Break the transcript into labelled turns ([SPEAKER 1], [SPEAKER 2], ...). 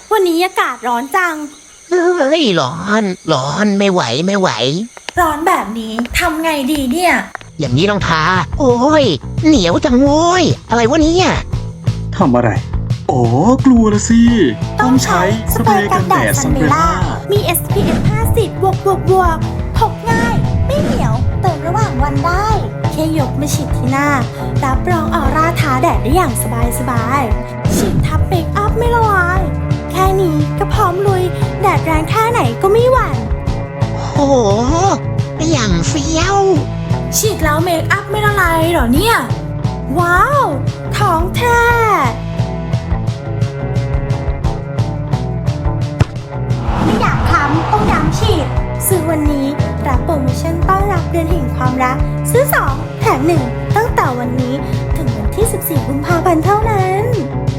[SPEAKER 1] วันนี้อากาศร้อนจัง
[SPEAKER 2] เฮ้ยร้อนไม่ไหวไม่ไหว
[SPEAKER 1] ร้อนแบบนี้ทำไงดีเนี่ย
[SPEAKER 2] อย่างนี้ต้องทาโอ้ยเหนียวจังโว้ยอะไรวะเนี่ย
[SPEAKER 3] ทำอะไรอ๋อกลัวละสิต้องใช้สเปรย์กันแดดซันเบล่า
[SPEAKER 1] มี SPF 50บวกพกง่ายไม่เหนียวเติมระหว่างวันได้แค่ยกมาฉีดที่หน้ารับรองออร่าท้าแดดได้อย่างสบายฉีดทับเมคอัพไม่ละลายแค่นี้ก็พร้อมลุยแดดแรงแค่ไหนก็ไม่หวั่น
[SPEAKER 2] โอ้โหอย่างเฟี้ยว
[SPEAKER 1] ฉีดแล้วเมคอัพไม่ละลายเหรอเนี่ยว้าวท้องแท้ไม่อยากคล้ำต้องย้ำฉีดซื้อวันนี้รับโปรโมชั่นต้อนรับเดือนแห่งความรักซื้อ2แถม1ตั้งแต่วันนี้ถึงวันที่14 กุมภาพันธ์เท่านั้น